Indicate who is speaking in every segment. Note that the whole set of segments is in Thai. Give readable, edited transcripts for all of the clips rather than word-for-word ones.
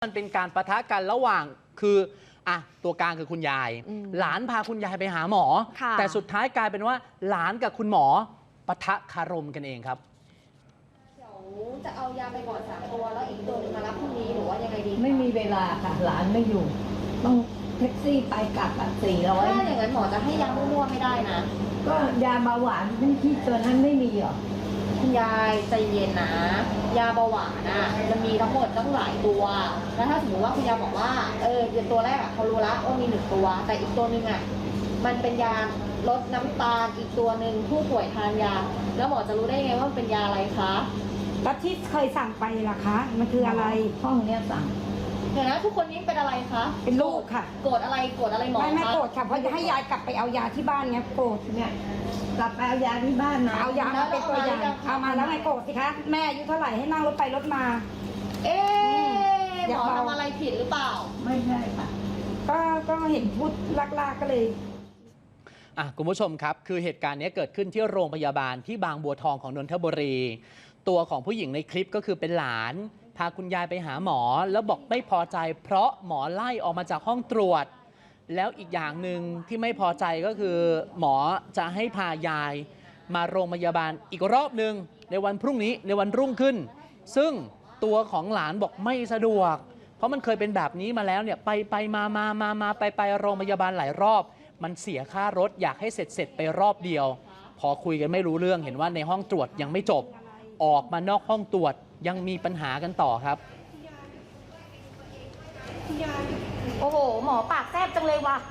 Speaker 1: มันเป็นการปะทะกันระหว่างคือตัวกลางคือคุณยายหลานพาคุณยายไปหาหมอแต่สุดท้ายกลายเป็นว่าหลานกับคุณหมอปะทะคารมกันเองครับ
Speaker 2: เดี๋ยวจะเอายาไปก่อน3 ตัวแล้วอีกตัวนึงมารับพรุ่งนี้หรือว่ายังไงดี
Speaker 3: ไม่มีเวลาค่ะหลานไม่อยู่ต้องแท็กซี่ไปกลับ400
Speaker 2: ถ้าอย่างนั้นหมอจะให้ยามั่วๆไม่ได้นะ
Speaker 3: ก็ยาเบาหวานที่ตัวนั้นไม่มีหรอ
Speaker 2: คุณยายใจเย็นนะยาเบาหวานมันมีทั้งหมดตั้งหลายตัวแล้วถ้าสมมติว่าคุณยายบอกว่าตัวแรกเขารู้ละว่ามี1 ตัวแต่อีกตัวนึงมันเป็นยาลดน้ำตาลอีกตัวนึงผู้ป่วยทานยาแล้วหมอจะรู้ได้ไงว่ามันเป็นยาอะไรคะ
Speaker 3: แล้วที่เคยสั่งไปล่ะคะมันคืออะไรห้องเนี้ยสั่ง
Speaker 2: เดี๋ยวนะทุกคนนี้เป็นอะไรคะ
Speaker 3: เป็นลูกค่ะ
Speaker 2: โกรธอะไรหมอ
Speaker 3: ไม่โกรธค่ะเพราะจะให้ยายกลับไปเอายาที่บ้านไงโกรธเนี่ยกลับไปเอายาที่บ้านนะเอายามาเป็นตัวอย่างเอามาแล้วไงโกรธสิคะแม่อายุเท่าไหร่ให้นั่งรถไปรถมา
Speaker 2: หมอทำอะไรผิดหรือเปล่า
Speaker 3: ไม่ใช่ค่ะก็เห็นพูดลากก็เลย
Speaker 1: คุณผู้ชมครับคือเหตุการณ์นี้เกิดขึ้นที่โรงพยาบาลที่บางบัวทองของนนทบุรีตัวของผู้หญิงในคลิปก็คือเป็นหลานพาคุณยายไปหาหมอแล้วบอกไม่พอใจเพราะหมอไล่ออกมาจากห้องตรวจแล้วอีกอย่างหนึ่งที่ไม่พอใจก็คือหมอจะให้พายายมาโรงพยาบาลอีกรอบหนึ่งในวันพรุ่งนี้ในวันรุ่งขึ้นซึ่งตัวของหลานบอกไม่สะดวกเพราะมันเคยเป็นแบบนี้มาแล้วเนี่ยไปมาไปโรงพยาบาลหลายรอบมันเสียค่ารถอยากให้เสร็จไปรอบเดียวพอคุยกันไม่รู้เรื่องเห็นว่าในห้องตรวจยังไม่จบออกมานอกห้องตรวจยังมีปัญหากันต่อครับ
Speaker 2: โอ้โหหมอปากแซ่บจังเลยว่ะ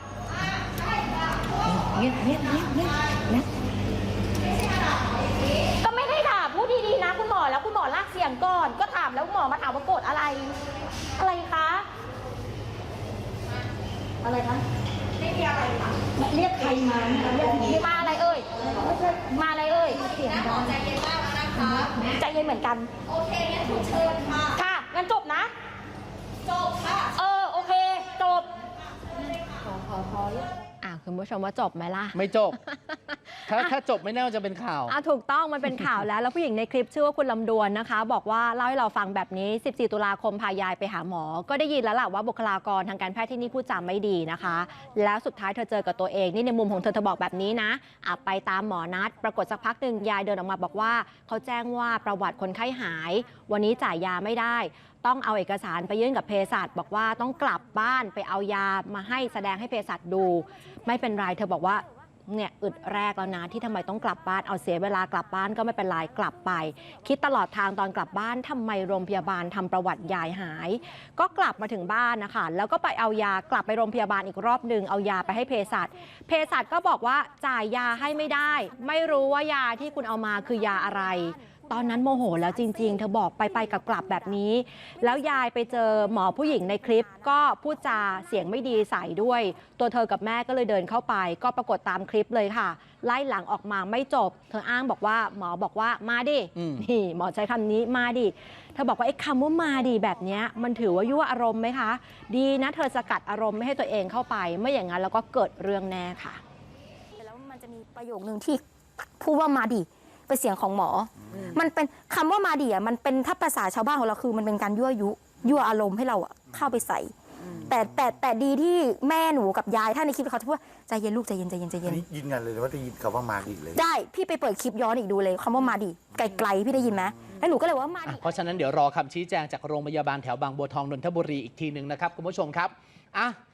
Speaker 3: เงียบ
Speaker 2: ก็ไม่ได้ด่าพูดดีๆนะคุณหมอแล้วคุณหมอลากเสียงก่อนก็ถามแล้วหมอมาถามว่าโกรธอะไรคะอะไรคะไม่มีอะไรค่ะ
Speaker 3: เรียกใครมา
Speaker 2: มาอะไรเอ่ยมาอะไรเอ่ย
Speaker 3: เสียงดัง
Speaker 2: ใจเย็นมากแล้วนะคะใจเย็นเหมือนกันโอเคงั้นคุณเชิญค่ะค่ะงั้นจบนะจบค่ะโอเคจบ
Speaker 4: ขอคุณผู้ชมว่าจบไหมล่ะ
Speaker 1: ไม่จบ ถ้าจบไม่แน่ว่าจะเป็นข่าว
Speaker 4: ถูกต้องมันเป็นข่าวแล้วผู้หญิงในคลิปชื่อว่าคุณลำดวนนะคะบอกว่าเล่าให้เราฟังแบบนี้14 ตุลาคมพายายไปหาหมอก็ได้ยินแล้วล่ะว่าบุคลากรทางการแพทย์ที่นี่พูดจาไม่ดีนะคะแล้วสุดท้ายเธอเจอกับตัวเองนี่ในมุมของเธอบอกแบบนี้นะไปตามหมอนัดปรากฏสักพักหนึ่งยายเดินออกมาบอกว่าเขาแจ้งว่าประวัติคนไข้หายวันนี้จ่ายยาไม่ได้ต้องเอาเอกสารไปยื่นกับเภสัชบอกว่าต้องกลับบ้านไปเอายามาให้แสดงให้เภสัชดูไม่เป็นไรเธอบอกว่าเนี่ยอึดแรกแล้วนะที่ทำไมต้องกลับบ้านเอาเสียเวลากลับบ้านก็ไม่เป็นไรกลับไปคิดตลอดทางตอนกลับบ้านทำไมโรงพยาบาลทำประวัติยายหายก็กลับมาถึงบ้านนะคะแล้วก็ไปเอายากลับไปโรงพยาบาลอีกรอบหนึ่งเอายาไปให้เภสัชก็บอกว่าจ่ายยาให้ไม่ได้ไม่รู้ว่ายาที่คุณเอามาคือยาอะไรตอนนั้นโมโหแล้วจริงๆเธอบอกไปกลับแบบนี้แล้วยายไปเจอหมอผู้หญิงในคลิปก็พูดจาเสียงไม่ดีใส่ด้วยตัวเธอกับแม่ก็เลยเดินเข้าไปก็ปรากฏตามคลิปเลยค่ะไล่หลังออกมาไม่จบเธออ้างบอกว่าหมอบอกว่ามาดินี่หมอใช้คำนี้มาดิเธอบอกว่าไอ้คำว่ามาดิแบบนี้มันถือว่ายั่วอารมณ์ไหมคะดีนะเธอสกัดอารมณ์ไม่ให้ตัวเองเข้าไปไม่อย่างนั้นแล้วก็เกิดเรื่องแน่ค่ะ
Speaker 5: แล้วมันจะมีประโยคนึงที่พูดว่ามาดิเป็นเสียงของหมอมันเป็นคำว่ามาดิมันเป็นถ้าภาษาชาวบ้านของเราคือมันเป็นการยั่วอารมณ์ให้เราเข้าไปใส่แต่ดีที่แม่หนูกับยายถ้าในคลิปเขาจะพูดว่าใจเย็นลูกใจเย็น
Speaker 6: นี่ยินกันเลยว่าได้ยินคำว่ามาดิเลย
Speaker 5: ได้พี่ไปเปิดคลิปย้อนอีกดูเลยคำว่ามาดิไกลๆพี่ได้ยินไหมแล้วหนูก็เลยว่ามาดิ
Speaker 1: เพราะฉะนั้นเดี๋ยวรอคำชี้แจงจากโรงพยาบาลแถวบางบัวทองนนทบุรีอีกทีหนึ่งนะครับคุณผู้ชมครับ